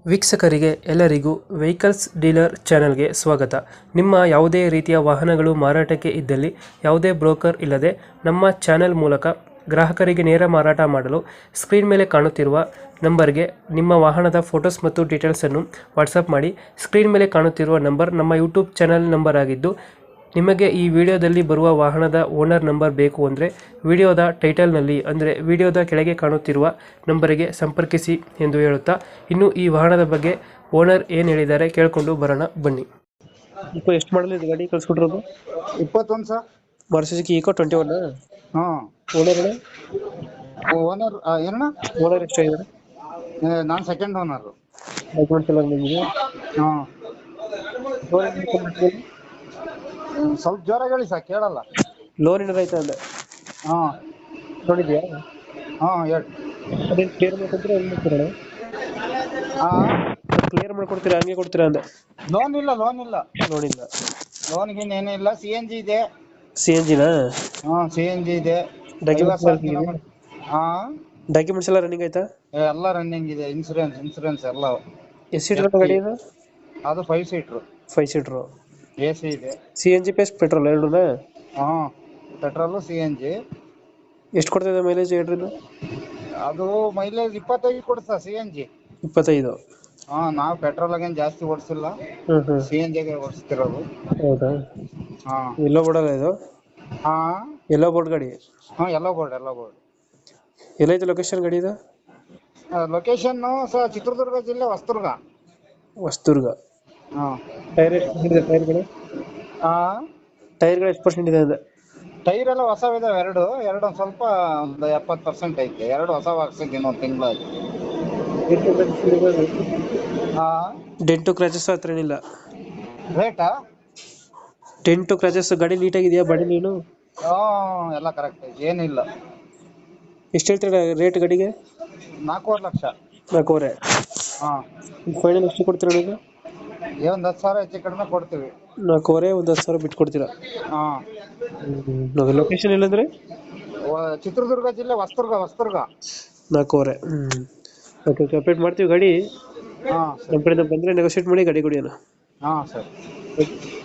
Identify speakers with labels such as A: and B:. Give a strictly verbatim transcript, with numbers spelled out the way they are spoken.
A: ವೀಕ್ಷಕರಿಗೆ ಎಲ್ಲರಿಗೂ vehicles dealer ಚಾನೆಲ್ಗೆ ಸ್ವಾಗತ. ನಿಮ್ಮ ಯಾವುದೇ ರೀತಿಯ ವಾಹನಗಳು ಮಾರಾಟಕ್ಕೆ ಇದ್ದಲ್ಲಿ ಯಾವುದೇ ಬ್ರೋಕರ್ ಇಲ್ಲದೆ ನಮ್ಮ ಚಾನೆಲ್ ಮೂಲಕ ಗ್ರಾಹಕರಿಗೆ ನೇರ ಮಾರಾಟ ಮಾಡಲು ಸ್ಕ್ರೀನ್ ಮೇಲೆ ಕಾಣುತ್ತಿರುವ ನಂಬರ್ಗೆ ನಿಮ್ಮ ವಾಹನದ ಫೋಟೋಸ್ ಮತ್ತು ಡೀಟೇಲ್ಸನ್ನು ವಾಟ್ಸಪ್ ಮಾಡಿ. ಸ್ಕ್ರೀನ್ ಮೇಲೆ ಕಾಣುತ್ತಿರುವ ನಂಬರ್ ನಮ್ಮ ಯೂಟ್ಯೂಬ್ ಚಾನೆಲ್ ನಂಬರ್ ಆಗಿದ್ದು, ನಿಮಗೆ ಈ ವಿಡಿಯೋದಲ್ಲಿ ಬರುವ ವಾಹನದ ಓನರ್ ನಂಬರ್ ಬೇಕು ಅಂದರೆ ವಿಡಿಯೋದ ಟೈಟಲ್ನಲ್ಲಿ ಅಂದರೆ ವಿಡಿಯೋದ ಕೆಳಗೆ ಕಾಣುತ್ತಿರುವ ನಂಬರಿಗೆ ಸಂಪರ್ಕಿಸಿ ಎಂದು ಹೇಳುತ್ತಾ, ಇನ್ನು ಈ ವಾಹನದ ಬಗ್ಗೆ ಓನರ್ ಏನು ಹೇಳಿದ್ದಾರೆ ಕೇಳಿಕೊಂಡು ಬರೋಣ ಬನ್ನಿ. ഇപ്പോൾ ಎಷ್ಟು ಮಾಡಲ್ ಇದು ಗಾಡಿ ಕಳ್ಸ್ಕೊಟ್ಟಿರೋದು?
B: ಇಪ್ಪತ್ತೊಂದು sir.
A: Maruti Suzuki Eeco twenty one.
B: ಹಾಂ
A: ಓನರ್
B: ಓನರ್ ಏನಣ್ಣ?
A: ಓನರ್ ಎಷ್ಟಾಗಿದ್ದಾರೆ?
B: ನಾನು ಸೆಕೆಂಡ್ ಓನರು.
A: ಡಾಕ್ಯುಮೆಂಟ್ಸ್ ಎಲ್ಲ ನಿಮಗೆ?
B: ಹಾಂ ಸ್ವಲ್ಪ ಜೋರಾಗಿ ಹೇಳಿ ಸರ್, ಕೇಳಲ್ಲ.
A: ಲೋನ್ ಏನಾರು ಆಯ್ತಾ ಅಂದೆ?
B: ಹಾಂ
A: ನೋಡಿದ್ಯಾ?
B: ಹಾಂ ಹೇಳಿ.
A: ಅದೇನು ಕ್ಲಿಯರ್ ಮಾಡ್ಕೊಡ್ತೀರಾ ಹೆಂಗೆ ಮಾಡ್ತೀರಾ?
B: ಹಾಂ
A: ಕ್ಲಿಯರ್ ಮಾಡ್ಕೊಡ್ತೀರಾ ಹಂಗೆ ಕೊಡ್ತೀರಾ ಅಂದೆ?
B: ಲೋನ್ ಇಲ್ಲ, ಲೋನ್ ಇಲ್ಲ,
A: ನೋಡಿಲ್ಲ.
B: ಲೋನ್ ಗೀನ್ ಏನೂ ಇಲ್ಲ. ಸಿ ಎನ್ ಜಿ ಇದೆ.
A: ಸಿ ಎನ್ ಜಿನಾ?
B: ಹಾಂ ಸಿ ಎನ್ ಜಿ ಇದೆ.
A: ಡಾಕ್ಯುಮೆಂಟ್ಸ್
B: ಹಾಂ
A: ಡಾಕ್ಯುಮೆಂಟ್ಸ್ ಎಲ್ಲ ರನ್ನಿಂಗ್ ಆಯ್ತಾ?
B: ಎಲ್ಲ ರನ್ನಿಂಗ್ ಇದೆ. ಇನ್ಸೂರೆನ್ಸ್ ಇನ್ಸೂರೆನ್ಸ್ ಎಲ್ಲ.
A: ಎಷ್ಟು ಸೀಟರ್ ಗಾಡಿ ಇದು?
B: ಅದು five seater.
A: Five seater.
B: A C ಇದೆ.
A: C N G plus petrol ಎರಡೂನಾ?
B: ಹಾಂ ಪೆಟ್ರೋಲು ಸಿ ಎನ್ ಜಿ.
A: ಎಷ್ಟು ಕೊಡ್ತಿದೆ ಮೈಲೇಜ್ ಎರಡರಿಂದ?
B: ಅದು ಮೈಲೇಜ್ ಇಪ್ಪತ್ತೈದು ಕೊಡ್ತಾ ಸಿ ಎನ್ ಜಿ.
A: ಇಪ್ಪತ್ತೈದು.
B: ಹಾಂ ನಾವು ಪೆಟ್ರೋಲ್ ಆಗೇನು ಜಾಸ್ತಿ ಓಡಿಸಿಲ್ಲ,
A: ಹ್ಞೂ ಹ್ಞೂ.
B: ಸಿ ಎನ್ ಜಿಗೆ ಓಡಿಸ್ತಿರೋದು.
A: ಹೌದಾ?
B: ಹಾಂ
A: ಎಲ್ಲೋ ಬೋರ್ಡಲ್ಲ ಇದು?
B: ಹಾಂ
A: ಎಲ್ಲೋ ಬೋರ್ಡ್ ಗಾಡಿ?
B: ಹಾಂ ಎಲ್ಲ ಬೋರ್ಡ್ ಎಲ್ಲ ಬೋರ್ಡ್.
A: ಎಲ್ಲೈತೆ ಲೊಕೇಶನ್ ಗಾಡಿ ಇದು?
B: ಲೊಕೇಶನ್ನು ಸ ಚಿತ್ರದುರ್ಗ ಜಿಲ್ಲೆ ಹೊಸದುರ್ಗ.
A: ಹೊಸದುರ್ಗ.
B: ಹಾಂ
A: ಟೈರ್ ಎಷ್ಟು ಪರ್ಸೆಂಟ್ ಇದೆ ಟೈರ್ಗಳು?
B: ಹಾಂ
A: ಟೈರ್ಗಳು ಎಷ್ಟು ಪರ್ಸೆಂಟ್ ಇದೆ ಅಂದೆ?
B: ಟೈರ್ ಎಲ್ಲ ಹೊಸವಿದಾವೆ. ಎರಡು ಎರಡು ಒಂದು ಸ್ವಲ್ಪ ಒಂದು ಎಪ್ಪತ್ತು ಪರ್ಸೆಂಟ್ ಐತೆ. ಎರಡು ಹೊಸ ಹಾಕ್ಸಿದ್ದು ಇನ್ನೊಂದು ತಿಂಗಳಾಗಿ. ಹಾಂ
A: ಡೆಂಟು ಕ್ರಾಚಸ್ ಹತ್ರ ಏನಿಲ್ಲ?
B: ರೇಟಾ?
A: ಡೆಂಟು ಕ್ರಾಚಸ್ ಗಾಡಿ ನೀಟಾಗಿದೆಯಾ ಬಾಡಿ ನೀನು?
B: ಹಾಂ ಎಲ್ಲ ಕರೆಕ್ಟ್ ಐತೆ, ಏನಿಲ್ಲ.
A: ಎಷ್ಟು ಹೇಳ್ತೀರಾ ರೇಟ್ ಗಾಡಿಗೆ?
B: ನಾಲ್ಕೂವರೆ ಲಕ್ಷ.
A: ನಾಲ್ಕೂವರೆ.
B: ಹಾಂ
A: ಫೈನಲ್ ಎಷ್ಟು ಕೊಡ್ತೀರಾ ನೀವು?
B: ಏ ಒಂದು ಹತ್ತು ಸಾವಿರ ಹೆಚ್ಚು ಕಡಿಮೆ ಕೊಡ್ತೀವಿ.
A: ನಾಲ್ಕೂವರೆ ಒಂದು ಹತ್ತು ಸಾವಿರ ಬಿಟ್ಟು ಕೊಡ್ತೀರಾ?
B: ಹಾಂ
A: ಲೊಕೇಶನ್ ಇಲ್ಲಂದ್ರೆ?
B: ಚಿತ್ರದುರ್ಗ ಜಿಲ್ಲೆ ಹೊಸದುರ್ಗ ಹೊಸದುರ್ಗ.
A: ನಾಲ್ಕೂವರೆ. ಹ್ಞೂ ಓಕೆ ಓಕೆ ಅಪ್ಡೇಟ್ ಮಾಡ್ತೀವಿ ಗಾಡಿ.
B: ಹಾಂ
A: ನಮ್ಮ ಕಡೆಯಿಂದ ಬಂದರೆ ನೆಗೋಷಿಯೇಟ್ ಮಾಡಿ ಗಾಡಿ ಕೊಡಿ ಅಣ್ಣ.
B: ಹಾಂ ಸರಿ.